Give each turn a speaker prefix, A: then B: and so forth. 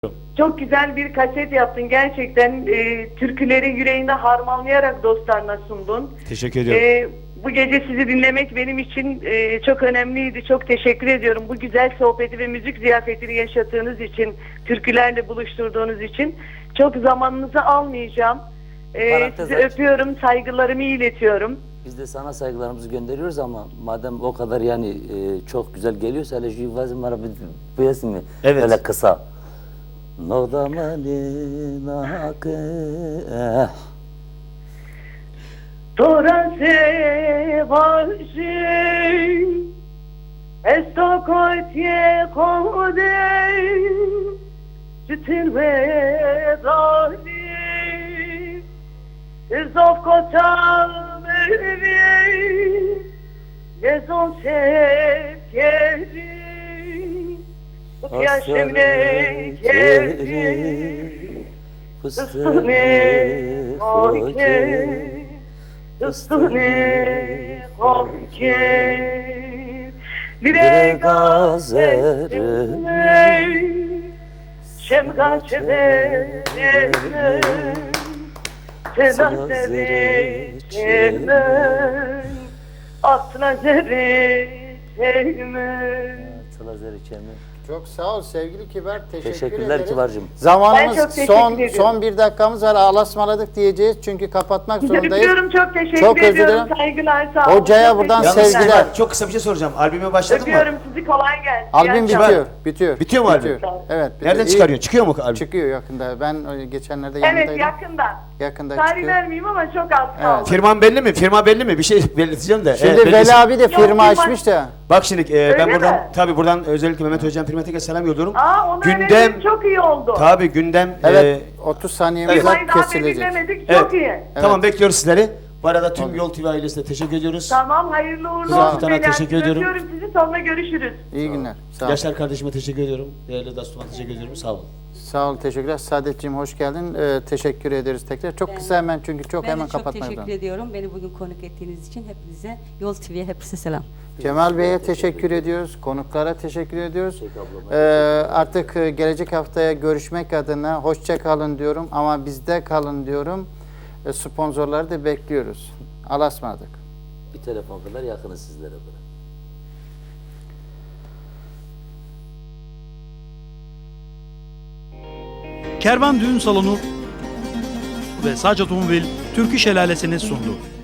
A: Çok güzel bir kaset yaptın. Gerçekten türküleri yüreğinde harmanlayarak dostlarına sundun.
B: Teşekkür ediyorum.
A: Bu gece sizi dinlemek benim için çok önemliydi. Çok teşekkür ediyorum. Bu güzel sohbeti ve müzik ziyafetini yaşattığınız için, türkülerle buluşturduğunuz için. Çok zamanınızı almayacağım. Sizi öpüyorum, saygılarımı iletiyorum.
C: Biz de sana saygılarımızı gönderiyoruz ama madem o kadar yani çok güzel geliyorsa hele şu vazim var bu yazın mı?
B: Evet.
C: Böyle kısa. Nodamani nakı.
A: Tora se vaji esto kotie kode Citin ve dali Zov kotam evi Gezon sevkeri Yaşemne keri Fıstığını koyke Fıstığını koyke Lire gazerine Şemga çeverine Tela seveceğime Atla zereceğime
D: Çok sağ ol sevgili Kibar.
C: Teşekkürler
D: ederiz.
C: Kibar'cığım.
D: Zamanımız
A: Ben çok teşekkür ediyorum.
D: son bir dakikamız var. Ağlasmaladık diyeceğiz çünkü kapatmak zorundayız.
A: Öpüyorum, çok teşekkür
D: Çok özür
A: ediyorum.
D: dilerim.
A: Saygılar, sağ olun.
D: Hocaya
A: Çok
D: buradan
A: teşekkürler.
B: Yalnız
D: sevgiler.
B: Kibar, çok kısa bir şey soracağım. Albüme başladın
A: Öpüyorum
B: mı?
A: sizi, kolay gelsin.
D: Albüm
A: İyi akşamlar.
D: bitiyor.
B: Bitiyor mu albüm?
D: Evet. bitiyor.
B: Nereden
D: İyi.
B: çıkarıyorsun? Çıkıyor mu albüm?
D: Çıkıyor yakında. Ben geçenlerde yanındaydım.
A: Evet, yakında.
D: Yakında
A: Tarih
D: çıkıyor.
A: vermeyeyim ama çok az kaldı.
B: Firman belli mi? Firma belli mi? Bir şey belirteceğim de.
D: Şimdi
B: belirlesin.
D: Veli abi de
A: Yok,
D: firma
A: firma-
D: açmış da.
B: Bak şimdi ben
A: Öyle
B: buradan
A: mi?
B: buradan özellikle Mehmet Hocam Firmatik'e selam yolluyorum.
A: Onu öğrendim, çok iyi oldu.
B: Tabii gündem
D: Evet 30 saniyemiz var
A: Firmayı daha beri
D: kesilecek.
A: dinlemedik,
B: evet.
A: çok iyi.
B: Tamam, bekliyoruz sizleri. Bu arada tüm Yol TV ailesine teşekkür ediyoruz.
A: Tamam, hayırlı uğurlu
D: Sağ ol.
A: olsun.
B: Sana
A: Beyler.
B: teşekkür ediyorum.
A: Öpüyorum sizi, sonra görüşürüz.
D: İyi günler. Sağ ol.
B: Yaşar kardeşime teşekkür ediyorum. Değerli Dastum'a teşekkür ediyorum. Sağ olun.
D: Sağ ol, teşekkürler. Saadetciğim hoş geldin. Teşekkür ederiz tekrar. Çok kısa hemen çünkü çok hemen
E: Ben de çok
D: kapatmak
E: teşekkür
D: zorunda.
E: ediyorum. Beni bugün konuk ettiğiniz için hepinize, Yol TV'ye hepinize selam.
D: Cemal Bey'e teşekkür ediyoruz. Konuklara teşekkür ediyoruz. Artık gelecek haftaya görüşmek adına hoşça kalın diyorum ama bizde kalın diyorum. Sponsorları da bekliyoruz. Allah'a ısmarladık.
C: Bir telefon kadar yakınız sizlere böyle.
F: Kervan Düğün Salonu ve Sac Otomobil Türkü Şelalesi'ni sundu.